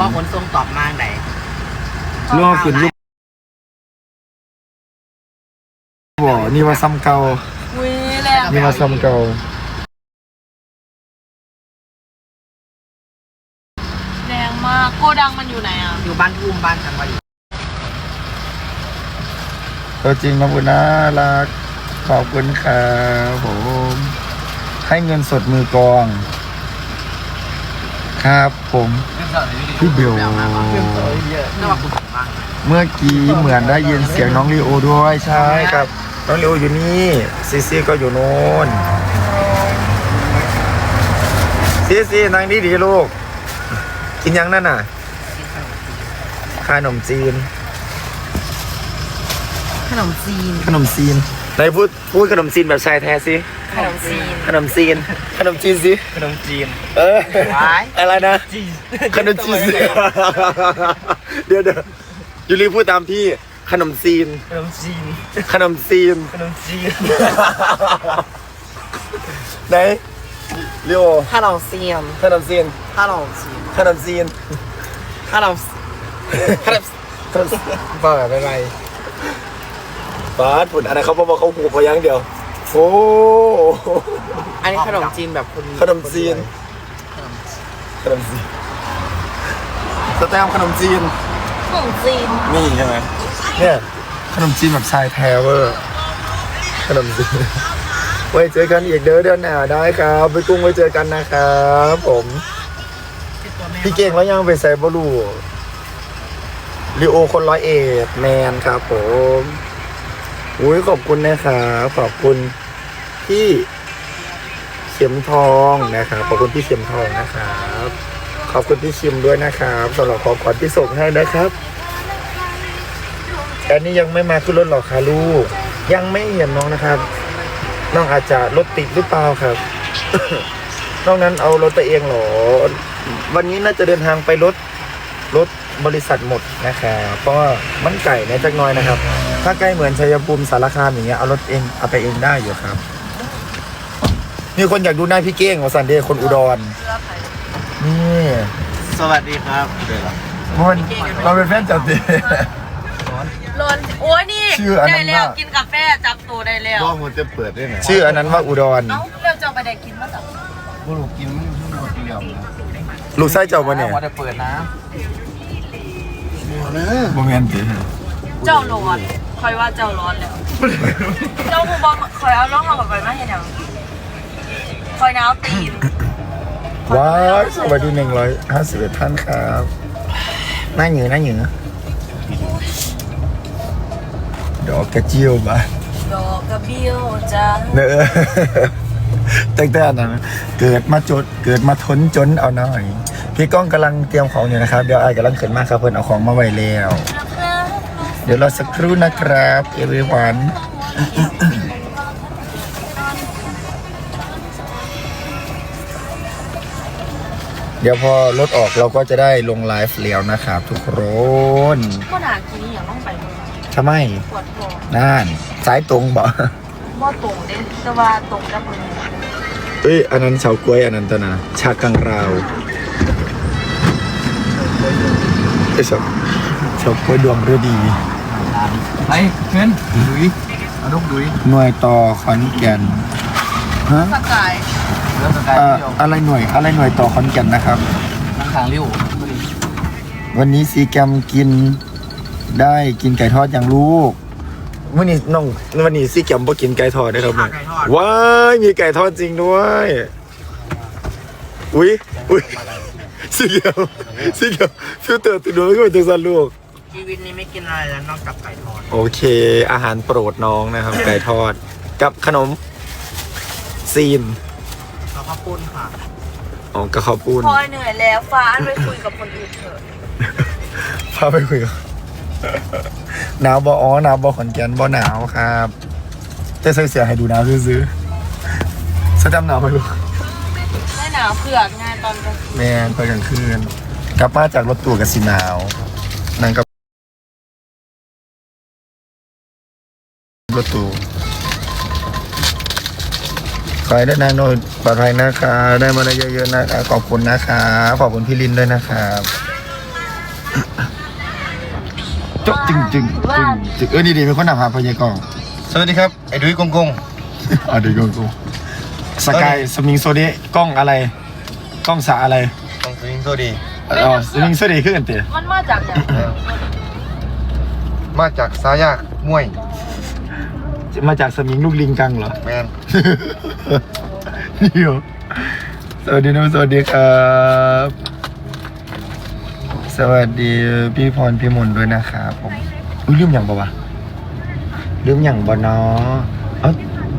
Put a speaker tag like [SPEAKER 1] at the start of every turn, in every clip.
[SPEAKER 1] ว่าขนส่งตอบมาไหน
[SPEAKER 2] ล่อขึ้นลูกบ่นี่ว่าซ้ำเก่า
[SPEAKER 3] อุ้ยแรง
[SPEAKER 2] นี่ว่าซ้ำเก่า
[SPEAKER 3] แรงมากโกดังมันอยู่ไหนอ่ะ
[SPEAKER 1] อยู่บ้านทุ่มบ้านทางวารี
[SPEAKER 2] ตัวจริงน้องบุญน่ารักขอบคุณครับผมให้เงินสดมือกอง ครับผมพี่เบล
[SPEAKER 1] เรื่องว่าคุณถึงบ้าง
[SPEAKER 2] เมื่อกี้เหมือนได้ยินเสียงน้องลีโอด้วยใช่ครับน้องลีโออยู่นี่ซีซีก็อยู่โน่นซีซีนั่งดีๆลูกกินยังนั่นน่ะขนมจีน
[SPEAKER 1] ขนมจีน
[SPEAKER 2] ขนมจีนไหนพูดขนมจีนแบบชายแท้สิ
[SPEAKER 1] ขนมจีน
[SPEAKER 2] ขนมจีนขนมจีนสิ
[SPEAKER 1] ขนมจีน
[SPEAKER 2] ว้ายอะไรนะขนมจีนเดี๋ยวยูรีพูดตามพี่ขนมจีน
[SPEAKER 1] ขนมจีน
[SPEAKER 2] ขนมจีน
[SPEAKER 1] ขนมจีน
[SPEAKER 2] ไหนเรียว
[SPEAKER 1] ขนมเซียม
[SPEAKER 2] ขนมจีน
[SPEAKER 1] ขนมจีน
[SPEAKER 2] ขนมจีน
[SPEAKER 1] ขนมขนม
[SPEAKER 2] ขนมบ้าแบบไรบาสผุดอะไรเขาบอกเขาหูพยังเดียวโอ้
[SPEAKER 1] อันนี้ขนมจีนแบบคน
[SPEAKER 2] ขนมจีนขนมจีนสแตมขนมจีน
[SPEAKER 3] ของจีน
[SPEAKER 2] นี่ใช่ไหมเนี่ยขนมจีนแบบชายแท้เวอร์ขนมจีนไว้เจอกันอีกเดือนหน้าได้ครับไปกุ้งไว้เจอกันนะครับผมพี่เก่งแล้วยังไปใส่บอลูลิโอคน101แมนครับผมอุ้ยขอบคุณนะครับขอบคุณพี่เข็มทองนะครับขอบคุณพี่เข็มทองนะครับขอบคุณพี่ชิมด้วยนะครับสำหรับของขวัญที่ส่งให้นะครับอันนี้ยังไม่มาขึ้นรถหรอกค่ะลูกยังไม่เห็นน้องนะครับน้องอาจจะรถติดหรือเปล่าครับ นอกนั้นเอารถไปเองเหรอวันนี้น่าจะเดินทางไปรถบริษัทหมดนะครับเพราะว่ามันไก่ในจักหน้อยนะครับถ้าใกล้เหมือนชัยภูมิสารคามอย่างเงี้ยเอารถเองเอาไปเองได้อยู่ครับมีคนอยากดูหน้าพี่เก้งของสันเดย์คนอุดรนี่
[SPEAKER 1] สวัสดีครับ
[SPEAKER 2] มันเราเป็นแฟนจับดี
[SPEAKER 3] ร้อนโอ้ยนี่
[SPEAKER 2] ชื่ออันนั้
[SPEAKER 3] ได้
[SPEAKER 2] น
[SPEAKER 3] แล้ว
[SPEAKER 2] ว่า
[SPEAKER 3] กินกาแฟจับตัวได้แล้ว
[SPEAKER 4] ก็มันจะเปิดได้ไหม
[SPEAKER 2] ชื่ออันนั้นว่าอุดร
[SPEAKER 3] เอ้าเราจะเอาไปได้กินมาจับ
[SPEAKER 4] บุรุษกินมันหมดเดียวนะ
[SPEAKER 2] ลูกไส้เจ้าปะเนี่ย
[SPEAKER 1] ว่าจะเปิดนะ
[SPEAKER 2] โมเมนต์ดิ
[SPEAKER 3] เจ้าร้อนคอยว่าเจ้าร้อนแล้ว เจ้าคูบอลคอยเอาล่องเอากับไปมาเห็นยังคอยหนาวตีน
[SPEAKER 2] ว้าวสวัสดี151ท่านครับหน้าเหนือดอกกระเจียวบ้าน
[SPEAKER 3] ดอกกระเบี้ยวจ้า
[SPEAKER 2] เนอะ ตั้งแต่นั้นเกิดมาทนจนเอาหน่อย พี่ก้องกำลังเตรียมของอยู่นะครับ เดี๋ยวไอ้กำลังขึ้นมาครับเพื่อนเอาของมาไว้แล้ว เดี๋ยวรอสักครู่นะครับเอวีวันเดี๋ยวพอรถออกเราก็จะได้ลงไลฟ์แล้วนะครับทุกคน
[SPEAKER 3] ก็หนากินนี่อย่างต้องไปเลย
[SPEAKER 2] ทำไม
[SPEAKER 3] ปวดท้อง
[SPEAKER 2] นั่นสายตรงบ่
[SPEAKER 3] บ่ตรงเด้แต่ว่าตรงกับมือ
[SPEAKER 2] เอ้ยอันนั้นเฉากล้วยอันนั้นตนะชากังราวไอ้ยเฉากล้วยดวงฤดี
[SPEAKER 4] ไปเพื่อนดุยเอาลูกดุย
[SPEAKER 2] หน่วยต่อขอนแก่นฮะ
[SPEAKER 3] สกาย
[SPEAKER 4] เริ่มสกายเดียว
[SPEAKER 2] อะไรหน่วยต่อขอนแก่นนะครับ
[SPEAKER 4] นั่งทางริ้ว
[SPEAKER 2] วันนี้ซีแกมกินได้กินไก่ทอดอย่างลูกวันนี้ซีแกมบ่กินไก่ทอดนะครับเนี่ยว้ายมีไก่ทอดจริงด้วยอุ้ยซีแกมฟิลเตอร์ติดดวงก็เป็นจังสันลูก
[SPEAKER 1] ชีวิตนี้ไม่กินอะไรแล้วนอกจากไก่ทอด
[SPEAKER 2] โอเค อาหารโปรดน้องนะครับ ไก่ทอดกับขนมซีน
[SPEAKER 1] แล้วก็ปุ้นค่ะ
[SPEAKER 2] อ๋อกระเขาวปูน
[SPEAKER 3] พอยเหนื่อยแล้วฟ้าอันไปคุยกับคนอื่นเถอะ
[SPEAKER 2] พาไปคุยกันหนาวบ่อ๋อหนาวบ่ขอนแก่นบ่หนาวครับแต่ใส่เสื้อให้ดูหนาวซื้อๆสะดำหนาวไหมลูก
[SPEAKER 3] ไม่หนาวเผือกงานตอนกลางคืน
[SPEAKER 2] แมนไปกลางคืนกลับมาจากรถตู้กับสีหนาวนั่นก็รถตู้ขอให้ได้นางโนดปลอดภัยนะคะได้มาได้เยอะๆนะคะขอบคุณนะคะขอบคุณพี่ลินด้วยนะครับโจ๊ะจึงนี่ดีเป็นคนนำหาพญากอง
[SPEAKER 5] สวัสดีครับ ไอ้ดุ้ยกงกง
[SPEAKER 2] อ่ะเดี๋ยวกูสกายสมิงโซเดกล้องอะไรกล้องสาอะไร
[SPEAKER 5] ต้องสวิงโซดี
[SPEAKER 2] อ๋อสมิงโซเดขึ้นกันเตะ
[SPEAKER 3] มันมาจากอย่าง
[SPEAKER 5] มาจากสายากมวย
[SPEAKER 2] มาจากสมิงลูกลิงกังเหรอ
[SPEAKER 5] แมน
[SPEAKER 2] เดี๋ยวสวัสดีนะสวัสดีครับ สวัสดีพี่พรพี่มนต์ด้วยนะครับผมอุ้ยลืมอย่างบ่วะลืมอย่างบ่เนาะเอ้า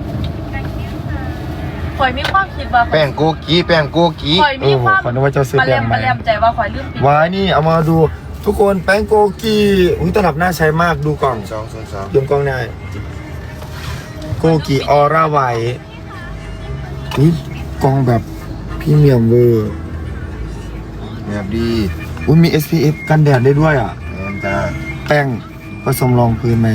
[SPEAKER 3] คอยมีความคิดว่า
[SPEAKER 5] แป้งโกกีแป้งโกกี
[SPEAKER 3] คอยมีความ
[SPEAKER 2] ขอนึกว่าเจ้าซื้อแป้งใหม่
[SPEAKER 3] มาแลมใจว่าคอยลืมปิด
[SPEAKER 2] ว้ายนี่เอามาดูทุกคนแป้งโกกีอุ้ยตลับน่าใช้มากดูกล่อง
[SPEAKER 5] 202
[SPEAKER 2] ยมกล้องได้โกกีออร่าไวท์อุ้ยกล่องแบบพรีเมียมเวอร์
[SPEAKER 5] แบบดี
[SPEAKER 2] อุ้ยมี SPF กันแดดได้ด้วยอ่ะ
[SPEAKER 5] แมนจ้า
[SPEAKER 2] แป้งผสมรองพื้นไหม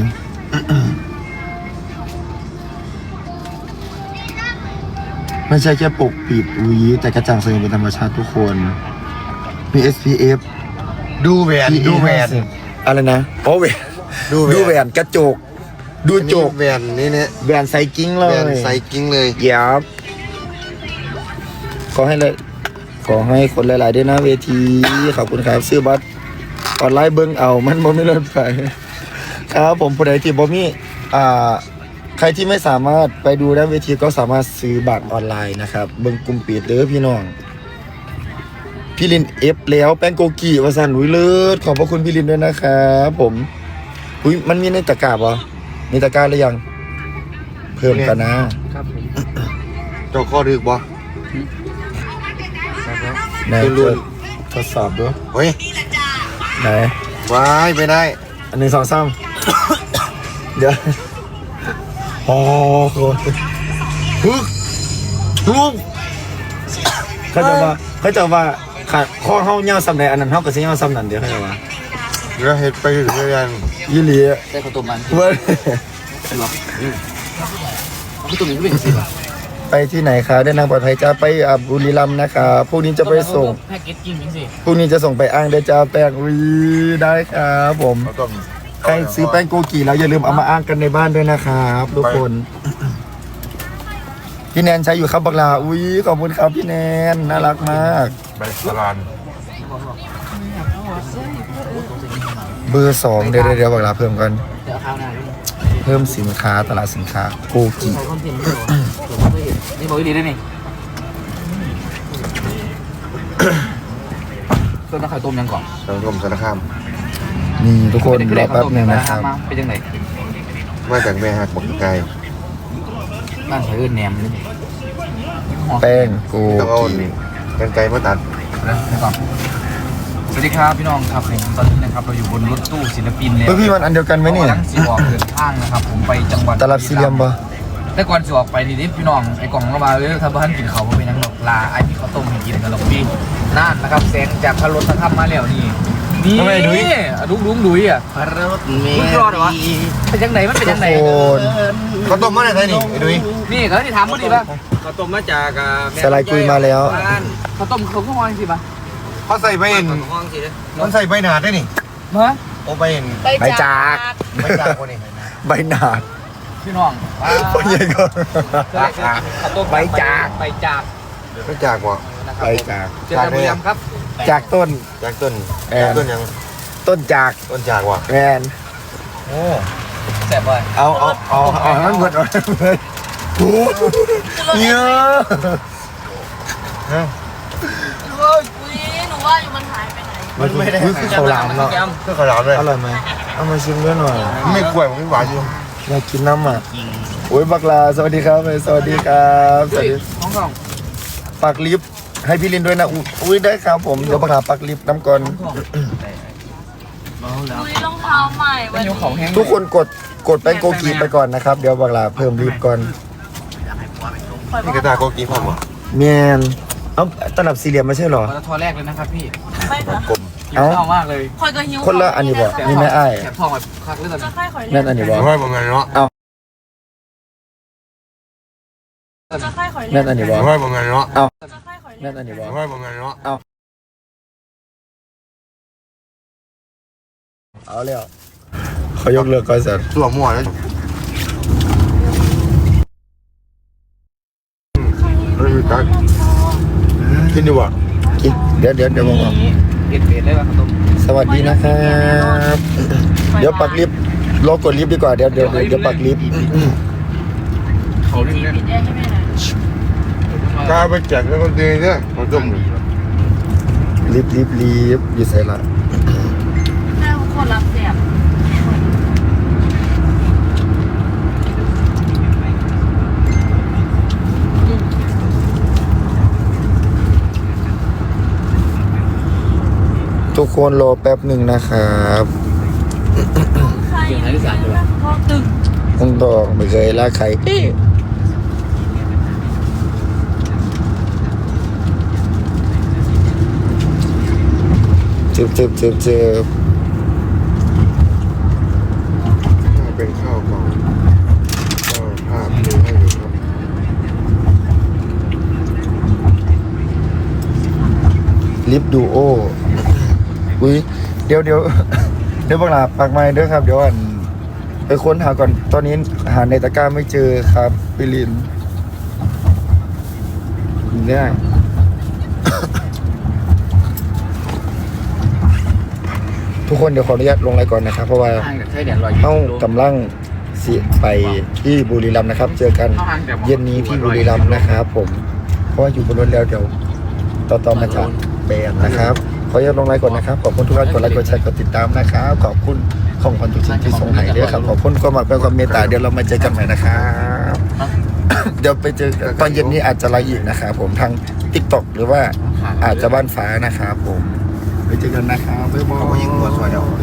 [SPEAKER 2] ไม่ใช่แค่ปกปิดอุ้ยแต่กระจ่างใสเป็นธรรมชาติทุกคน มี SPF
[SPEAKER 5] ดูแหวนดูแหวน
[SPEAKER 2] อะไรนะอ๋อแหวน
[SPEAKER 5] ดูแหวน
[SPEAKER 2] ดูแหวนกระจก ดูโจก
[SPEAKER 5] แหวนนี่เนี่ย
[SPEAKER 2] แหวนใส่กิ้งเล
[SPEAKER 5] แห
[SPEAKER 2] ย
[SPEAKER 5] วนใส่กิ้งเลย
[SPEAKER 2] เยียบขอให้คนหลายๆด้วยนะเวที ขอบคุณครับซื้อบัตรออนไลน์เบิ้งเอามันบ่มีรถไฟครับผมผู้ใดที่บ่มีใครที่ไม่สามารถไปดูด้านเวทีก็สามารถซื้อบัตรออนไลน์นะครับเบิ้งกลุ่มปิดเด้อพี่น้องพี่ลินเอฟแล้วแป้งโกกีวาสันอุ้ยเลิศขอบพระคุณพี่ลินด้วยนะครับผมอุ้ยมันมีในตะกร้าป่ะมีตะกร้าหรือยัง เพิ่มกันนะ
[SPEAKER 4] ครับผม
[SPEAKER 5] เจ้าข้อดึกบ่
[SPEAKER 2] ไหนทดสอบดู
[SPEAKER 5] เฮ้ย
[SPEAKER 2] ไหน
[SPEAKER 5] วายไปได้
[SPEAKER 2] อันหนึ่งสองสาม เดี๋ยวโอ้โหฮึกเขาจะว่าขาดข้อเฮาเงาซ้ำใดอันนั้นเฮาก็สิเงาซ้ำนั่นเดี๋ยวเขาจะว่า
[SPEAKER 5] เรือเห็ดไปถึงเรือยัน
[SPEAKER 2] ยี่หลี
[SPEAKER 4] ได้ข้าวต้มมัน
[SPEAKER 2] เว้ย
[SPEAKER 4] หรอข้าวต้มมันก็เป็นสิบอ่ะ
[SPEAKER 2] ไปที่ไหนคะได้นางปลอดภัยจ้าไปบุรีรัมย์นะคะพรุ่งนี้จะไปส่ง
[SPEAKER 4] แพ็กเกจจิ้มยังสิ
[SPEAKER 2] พรุ่งนี้จะส่งไปอ้างได้จ้าแป้งอุ้ยได้ครับผม
[SPEAKER 5] ข้าวต้ม
[SPEAKER 2] ใครซื้อแป้งโกกีแล้วอย่าลืมเอามาอ้างกันในบ้านด้วยนะครับทุกคน พี่แนนใช้อยู่ครับบักลาอุ้ยขอบคุณครับพี่แนนน่ารักมาก
[SPEAKER 5] ใบสลาน
[SPEAKER 2] เบอร์2เดี๋ยวบักลาเพิ่มกัน
[SPEAKER 4] เดี๋ยวข้าวหน้าด้วย
[SPEAKER 2] เพิ่มสินค้าตลาดสินค้าโกกิ
[SPEAKER 4] ใส่คอนเทนต์ไม่หรอผมไม่เคยเห็นนี่บอกดีได้นี่ต้นน้ำไข่ต้มยังก่อน
[SPEAKER 5] สังคมสารคาม
[SPEAKER 2] นี่ทุกคนรอแป๊บหนึงนะครับ
[SPEAKER 4] เป็นยังไง
[SPEAKER 5] มาจากแม่หักบักไก่
[SPEAKER 4] บ้านใช้เอิ้นแหนมนี่
[SPEAKER 2] แป้งโก
[SPEAKER 5] ต้องเอา
[SPEAKER 2] กิ
[SPEAKER 5] กันไก่มาตัด
[SPEAKER 4] แล้วก่อนสวัสดีครับพี่น้องครับผมตอนนี้นะครับเราอยู่บนรถตู้ศิลปินแล้ว
[SPEAKER 2] เฮ้ยพี่มันอันเดียวกันไหมเนี่ย
[SPEAKER 4] ทั้งสีออกเดินทางนะครับผมไปจังหวัด
[SPEAKER 2] ตลับสี่เหลี่ยมปะ
[SPEAKER 4] แต่ก่อนจะออกไปนี่พี่น้องไอ้กล่องระบายเลยถ้าบ้านกินเขาไม่เป็นนังหรอกลาไอ้พี่เขาต้มให้กินกันหรอกพี่น่านนะครับแสงจากพระรถพระธรรมมาแล้วนี่นี่
[SPEAKER 2] ทำไมดุย
[SPEAKER 4] ดุยอ่ะ
[SPEAKER 1] พระรถเม
[SPEAKER 4] มึงรอดเหรอวะเป็นยังไงมันเป็นยังไง
[SPEAKER 2] ทุกคน
[SPEAKER 5] ข้าวต้มมาได้ไงนี่ไอ้ดุ้ย
[SPEAKER 4] นี่เขาที่ถามมึงดิป่ะ
[SPEAKER 1] ข้าวต้มมาจาก
[SPEAKER 2] สไลด์คุยมาแล้ว
[SPEAKER 4] เขาต้มเขาก็มองสิป่ะ
[SPEAKER 5] เขาใส่ใบเอ็น
[SPEAKER 1] ห้องสิเลย
[SPEAKER 5] มันใส่ใบหนาดได้นี่
[SPEAKER 4] ฮะ
[SPEAKER 5] โอ้ใบเอ็น
[SPEAKER 2] ใบจาก
[SPEAKER 5] ใบจากกว่านี่
[SPEAKER 2] ใบหนาด
[SPEAKER 4] พี่น้อง
[SPEAKER 2] พ่อใหญ่ก็
[SPEAKER 4] เขาต้มใบจาก
[SPEAKER 5] ใบจากว่ะ
[SPEAKER 2] ใบจาก
[SPEAKER 4] เจอกันบุรีรัมย์ครับ
[SPEAKER 2] จากต้น
[SPEAKER 5] จากต้น
[SPEAKER 2] แอน
[SPEAKER 5] ต้นยัง
[SPEAKER 2] ต้นจาก
[SPEAKER 5] ต้นจากว่ะ
[SPEAKER 2] แมน
[SPEAKER 5] โอ้
[SPEAKER 4] แซ่บเลย
[SPEAKER 2] เอาให้มันหมดเอาให้มันหมดโอ้โหเยอะ
[SPEAKER 5] ฮะ
[SPEAKER 3] อุ้ยหนูว่าอยู่มันหายไปไหน
[SPEAKER 2] มันไม่ได้คือข้าวหลามเนาะ
[SPEAKER 5] เพื่อขาวหลามเลย
[SPEAKER 2] อร่อยไหมเอามาชิมด้วยหน่อย
[SPEAKER 5] ไม่กล้วยมันไม่หวานอยู่
[SPEAKER 2] อยากกินน้ำอ่ะโอ้ยบักลาสวัสดีครับสวัสดีครับสวัสดี
[SPEAKER 4] น้องกล่อง
[SPEAKER 2] ปักลิฟต์ให้พี่ลินด้วยนะอุ้ยได้ครับผมเดี๋ยวบักลาปักลิฟต์น้ำก่อน
[SPEAKER 3] อุ้ยรองเท้าใหม่
[SPEAKER 4] เป็
[SPEAKER 3] วัน น
[SPEAKER 4] ยู
[SPEAKER 3] นี้
[SPEAKER 4] ของแห้ง
[SPEAKER 2] ทุกคนกดแป้งโกกีไปก่อนนะครับเดี๋ยวบักลาเพิ่มลิฟต์ก่อน
[SPEAKER 5] นี่กระตาโกกีพร้อมวะ
[SPEAKER 2] แมนเอาตลับสี่เหลี่ยมไม่ใช่เหรอ
[SPEAKER 4] ปตทแรกเลยนะครับพี่
[SPEAKER 3] ไม่ค่ะ
[SPEAKER 5] กลม
[SPEAKER 4] หิวข้าวมากเลย
[SPEAKER 3] คอยก็หิว
[SPEAKER 2] คนละอันนี้บ่นี่แม่อ้าย
[SPEAKER 4] แถบทองแบบคักเลยตอน
[SPEAKER 3] จะ
[SPEAKER 4] นี้
[SPEAKER 3] ค่อยคอย
[SPEAKER 2] นั่นอันนี้บ่
[SPEAKER 5] ร้อยประมาณเนาะ
[SPEAKER 3] จะค่อยคอย
[SPEAKER 2] นั่นอันนี้บ่
[SPEAKER 5] ร้อยประมาณเนาะ
[SPEAKER 3] จะค่อยคอย
[SPEAKER 2] นั่นอันนี้บ่
[SPEAKER 5] ร้อยประมาณเนาะ
[SPEAKER 2] เอาแล้วเขายกเลิกคอนเสิร์ต
[SPEAKER 5] ตัวมั่วแล้วเฮ้ยตักกินดีกว่า
[SPEAKER 2] กินเดี๋ยวผมบอก
[SPEAKER 4] เด็ดเลยว่ะข้าวต้ม
[SPEAKER 2] สวัสดีนะครับ เดี๋ยวปักลิฟต์รอกดลิฟต์ดีกว่าเดี๋ยวปักลิฟต์
[SPEAKER 4] เขา
[SPEAKER 3] จี
[SPEAKER 4] เล่น
[SPEAKER 3] ปิดแอร์ให้แม่หน่อย
[SPEAKER 5] กล้าไปแจกแล้วก็ดีเนี่ยมันจมอยู่
[SPEAKER 2] ลิฟต์อยู่ใส่ละ
[SPEAKER 3] แม่คนรับเสียบ
[SPEAKER 2] ทุกคนรอแป๊บหนึ่งนะครับ
[SPEAKER 3] ใครพ่อตึก
[SPEAKER 2] ต้องดอกไม่เคยลากใครเจ็บ
[SPEAKER 5] เป็นข้าวกล่องก็ภาพดูให้ดูครับ
[SPEAKER 2] ลิฟต์ดูโออุ้ยเดี๋ยวบังลาปักไม้เด้อครับเดี๋ยวไปค้นหาก่อนตอนนี้หาในตะกร้าไม่เจอครับพี่ลินเนี่ยทุกคนเดี๋ยวขออนุญาตลงไลน์ก่อนนะครับเพราะว่า
[SPEAKER 4] ห่างจากใช้แดดลอย
[SPEAKER 2] เอ้ากำลังสิไปที่บุรีรัมย์นะครับ เจอกันเย็นนี้ที่บุรีรัมย์นะครับผมเพราะว่าอยู่บนรถแล้วเดี๋ยวต่อมาจากแบนนะครับขออนุญาตลงไลน์ก่อนนะครับขอบคุณทุกท่านกดไลค์กดแชร์กดติดตามนะครับขอบคุณของขวัญทุกสิ่งที่ส่งให้ด้วยครับขอบคุณความรักและความเมตตาเดี๋ยวเรามาเจอกันใหม่นะครับ เดี๋ยวไปเจอกันตอนเย็นนี้อาจจะไลฟ์อีกนะครับผมทาง TikTok หรือว่าอาจจะบ้านฟ้านะครับผมไปเจอกันนะครับบ๊ายบาย
[SPEAKER 5] เขาก็ยิงหัวซอยเดียว